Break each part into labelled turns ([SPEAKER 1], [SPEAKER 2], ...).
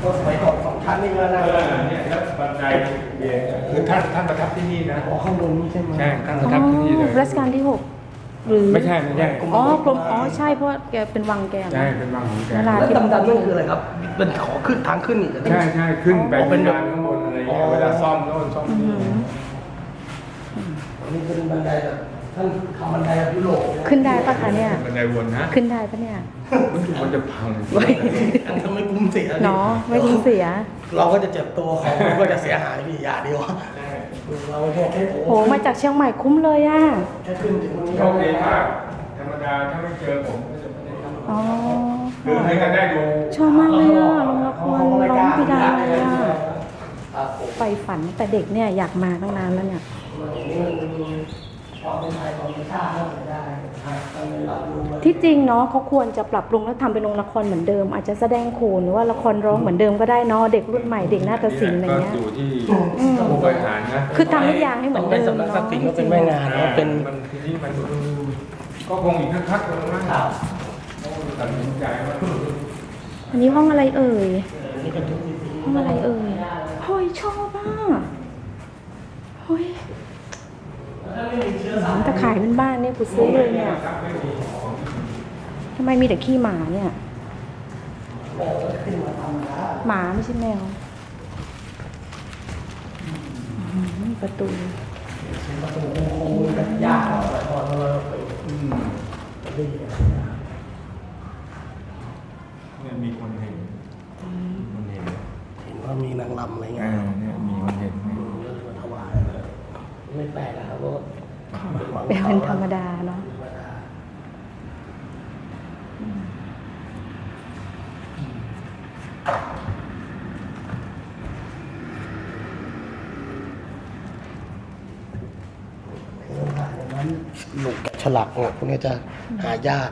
[SPEAKER 1] ก็สมัยก่อน2 ชั้นนี่ก็น่า
[SPEAKER 2] เนี่ยแล้วบันไดเบียงคือท่านประทับที่นี่นะ
[SPEAKER 1] ข้างบนนี่ใช่ไหม
[SPEAKER 2] ใช่ท่านประทับที่นี่เลย
[SPEAKER 3] รัชกาลที่ 6หรือ
[SPEAKER 2] ไม่ใช่
[SPEAKER 3] อ๋อกรมใช่เพราะแกเป็นวังแก
[SPEAKER 2] ใช่เป็นวังของแก
[SPEAKER 1] แล้วดำนั่นคืออะไรครับเป็นขอขึ้นทางขึ้นอีก
[SPEAKER 2] ใช่ขึ้นไปเป็นงานข้างบนอะไรเงี้ยเวลาซ่อมโน่นซ่อมนี่
[SPEAKER 1] นี่เป็นบันไดแบบท่านทำบันไดแบบยุโรป
[SPEAKER 3] ขึ้นได้ปะคะเนี่ย
[SPEAKER 2] บันไดวนนะ
[SPEAKER 3] ขึ้นได้ปะเนี่ย
[SPEAKER 2] มันจะพัง
[SPEAKER 1] อันนี้ไม่คุ้มเสีย
[SPEAKER 3] เนาะไม่คุ้มเสีย
[SPEAKER 1] เราก็จะเจ็บตัวของก็จะเสียหายพี่อย่าดีวะเราแค่
[SPEAKER 3] โหมาจากเชียงใหม่คุ้มเลยอ่ะ
[SPEAKER 1] แค่ขึ้นถึง
[SPEAKER 2] โชคดีมากธรรมดาถ้าไม่เจอผมก็จะไม่ได้ทำ
[SPEAKER 3] อ๋อ
[SPEAKER 2] คือให้กันได้ดู
[SPEAKER 3] ชอบมากเลยอ่ะลงละครร้องพิดาเลยอ่ะไปฝันแต่เด็กเนี่ยอยากมาตั้งนานแล้วเนี่ยที่จริงเนาะเขาควรจะปรับปรุงแล้วทำเป็นโรงละครเหมือนเดิมอาจจะแสดงโขนหรือว่าละครร้องเหมือนเดิมก็ได้เนาะเด็กรุ่นใหม่เด็กนาฏศิลป์อะไรเงี้ย
[SPEAKER 2] อยู่ที่ผู้บริหารนะ
[SPEAKER 3] คือทำทุกอย่างให้เหมือนเดิม
[SPEAKER 1] สำนักศิลป์ก็เป็นแม่งานแล้วเป็น
[SPEAKER 2] ทีนี้มันก็คงอีกสักพักนึงนะตัดสินใจว่า
[SPEAKER 3] อันนี้ห้องอะไรเอ่ยห้องอะไรเอ่ยเฮ้ยชอบอ่ะเฮ้ยแต่ขายเป็นบ้านเนี่ยกูซื้อเลยเนี่ยทำไมมีแต่ขี้หมาเนี่ยหมาไม่ใช่แมวประตู
[SPEAKER 1] ยาก
[SPEAKER 2] เนี่ยมีคนเห็น
[SPEAKER 1] ว่ามีนางรำอะไรเงี้ย
[SPEAKER 2] เนี่ยมีคนเห็น
[SPEAKER 1] ถวายไม่แปลกนะครับว่า
[SPEAKER 3] เป็นธรรมดาเนาะ
[SPEAKER 1] ลูกแกะฉลักพวกนี้จะหายาก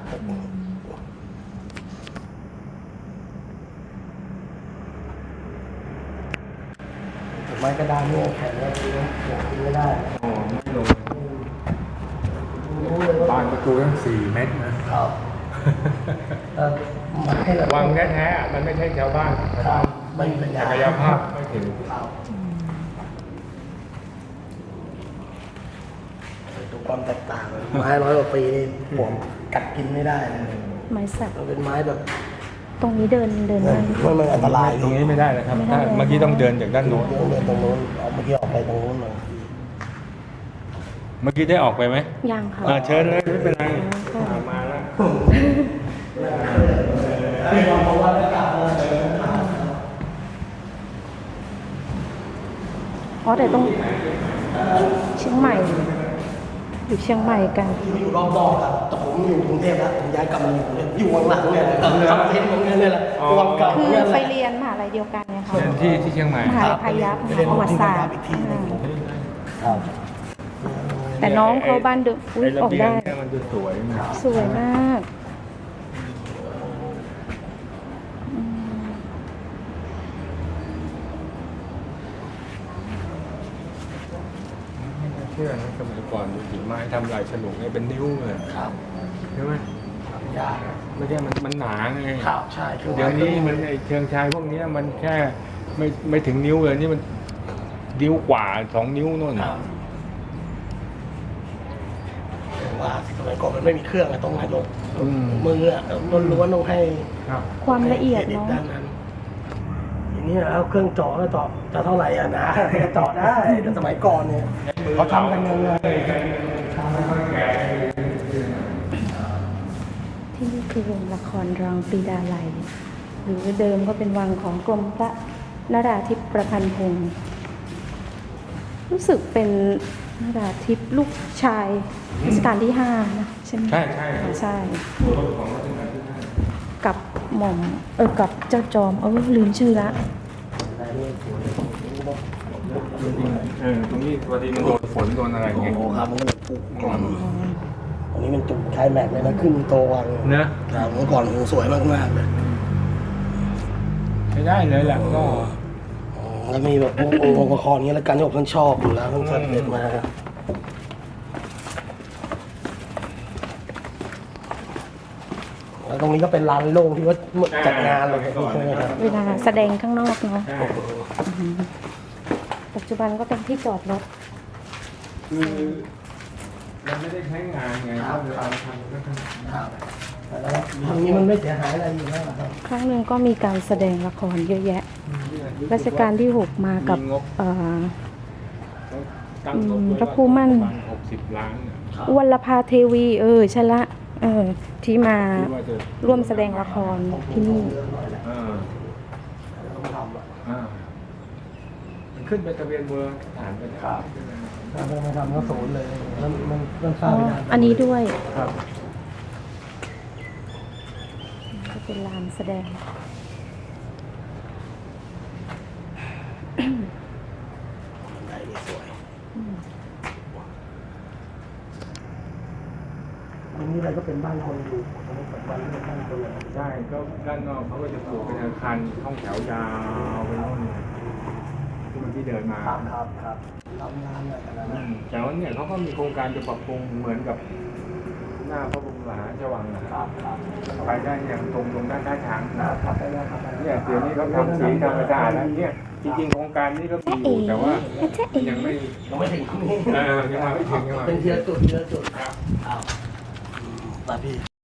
[SPEAKER 1] ไม้กระดานเนี่ยแข็งแล้วกินไม่ได้
[SPEAKER 2] ไม่ลงบานประตูตั้ง4 เมตรนะครับวังแท้ๆมันไม่ใช่ชาวบ้าน
[SPEAKER 1] ไม่มีปัญญา
[SPEAKER 2] ศักยภาพไม่ถึง
[SPEAKER 1] ดูความแตกต่างไม้100 กว่าปีนี่ผมกัดกินไม่ได้
[SPEAKER 3] ไม้สัก
[SPEAKER 1] เป็นไม้แบบ
[SPEAKER 3] ตรงนี้เดิน
[SPEAKER 1] มันอันตราย
[SPEAKER 2] ตรงนี้ไม่ได้เลยครับเมื่อกี้ต้องเดินจากด้านโน้น
[SPEAKER 1] เดินตรงโน้นเมื่อกี้ออกไปตรงโน้นเลย
[SPEAKER 2] เมื่อกี้ได้ออกไปไหม
[SPEAKER 3] ยังค่ะ
[SPEAKER 2] เชิญเลยไม่เป็นไรมาแล้ว
[SPEAKER 3] อ๋อแต่ต้องเชียงใหม่อยู่เชียงใหม่กัน
[SPEAKER 1] อยู่รอบๆครับแต่ผมอยู่กรุงเทพแล้วผมย้ายกลับมาอยู่ข้างหลังเนี่ยทำเทนตรงนี้เลยแหละวังเก่า
[SPEAKER 3] คือไปเรียนมหาลัยเดียวกันไงคะ
[SPEAKER 2] ที่เชียงใหม่
[SPEAKER 3] มหาลัยพายัพประวัติศาสตร์แต่น้องเขาบ้านเดิมออกได้
[SPEAKER 2] มันจะสวย
[SPEAKER 3] มาก
[SPEAKER 2] เชื่อนะสมัยก่อนหินไม้ทำลายฉลุเนี่ยเป็นนิ้วเลยใช่ไหม
[SPEAKER 1] ยาก
[SPEAKER 2] ไม่ใช่มันหนาไง
[SPEAKER 1] ใช่
[SPEAKER 2] เดี๋ยวนี้มันไอเชิงชายพวกนี้มันแค่ไม่ถึงนิ้วเลยนี่มันนิ้วกว่า2 นิ้วนู่น
[SPEAKER 1] ว่าสมัยก่อนมันไม่มีเครื่องต้องให้ลงมือล้วนๆต้องให้
[SPEAKER 3] ความละเอียดเนาะ
[SPEAKER 1] อย่างนี้แล้วเครื่องเจาะแล้วเจาะจะเท่าไหร่นะเจาะได้แต่สมัยก่อนเนี่ยเขาทำกันยังไง
[SPEAKER 3] ที่นี่คือโรงละครรองปรีดาลัยหรือเดิมก็เป็นวังของกรมพระนราธิปประพันธ์พงศ์รู้สึกเป็นนราธิปลูกชายรัชกาลที่5นะใช่ไหมใช่กับหม่อมกับเจ้าจอมลืมชื่อละ
[SPEAKER 2] ตรงนี้พอดีมันโดนฝนโดนอะไรเงี้ย
[SPEAKER 1] ครับมันก็ปุกก่อนอันนี้มันจุดใช้แม็กเลยนะขึ้นโตวัง
[SPEAKER 2] เนอะ
[SPEAKER 1] เมื่อก่อนสวยมากๆเลย
[SPEAKER 2] ใช้ได้เลยแหละก็
[SPEAKER 1] แล้วมีแบบองค์ประกอบนี้แล้วกันที่ผมชอบอยู่แล้วตั้งแต่เด็กมาแล้วตรงนี้ก็เป็นลานโล่งที่ว่าจัดงานเลยใช่ไหมครับ
[SPEAKER 3] เวลาแสดงข้างนอกเนาะ
[SPEAKER 2] ใช่
[SPEAKER 3] อือหือปัจจุบันก็เป็นที่จอดรถ
[SPEAKER 2] คือมันไม่ได้ใช้งานไงก็เลยเอาทำก็ทำ
[SPEAKER 1] ครับแล้วทางนี้มันไม่เสียหายอะไรอยู่แล้วครับ
[SPEAKER 3] ครั้งหนึ่งก็มีการแสดงละครเยอะแยะ รัชกาลที่ 6 มากับ
[SPEAKER 2] มีงบ ตั้งงบไว้
[SPEAKER 3] พระครูมั่น
[SPEAKER 2] ประาณ60 ล้านเนี่ย
[SPEAKER 3] วัลภาเทวีใช่ละที่มา
[SPEAKER 2] ที่ว่าจะ
[SPEAKER 3] ร่วมแสดงละครที่นี่
[SPEAKER 2] อ่า
[SPEAKER 1] ต้องทำอ่ะ
[SPEAKER 2] อ่ามันขึ้นไปทะเบียนเบอร์ฐานไปแล้ว
[SPEAKER 1] ถ้าไม่ทำก็ศูนย์เลยมันสร้างไม่ได้
[SPEAKER 3] อันนี้ด้วย
[SPEAKER 2] ครับ
[SPEAKER 3] ก็เป็นลานแสดง
[SPEAKER 1] ได้นี่สวยตรงนี้อะไรก็เป็นบ้านคนอยู่ตรงนี้เป็นบ้านคนเลย
[SPEAKER 2] ใช่ก็ด้านนอกเขาก็จะปลูกเป็นอาคารห้องแถวยาวไปโน่นเลยที่มันที่เดินมา
[SPEAKER 1] ครับทำงานอะไรกันนะ
[SPEAKER 2] แต่ว่าเนี่ยเขาก็มีโครงการจะปรับปรุงเหมือนกับหน้าพระบรมมหาราชวังนะครับไปได้อย่างตรงด้านท่าช้าง
[SPEAKER 1] ครับไปแล้วครับ
[SPEAKER 2] เนี่ยเดี๋ยวนี้เขาทำสีธรรมชาติแล้วเนี่ยจริงๆโครงการนี้ก็มีอยู่แต่ว่ายังไม่
[SPEAKER 1] ยังไม่ถึงที่นี่
[SPEAKER 2] ยังมาไม่ถึงยังมา
[SPEAKER 1] เป็น
[SPEAKER 2] ไม่
[SPEAKER 1] เที
[SPEAKER 2] ถึ
[SPEAKER 1] ย
[SPEAKER 2] ง
[SPEAKER 1] จุดครับอ้าวมาพี่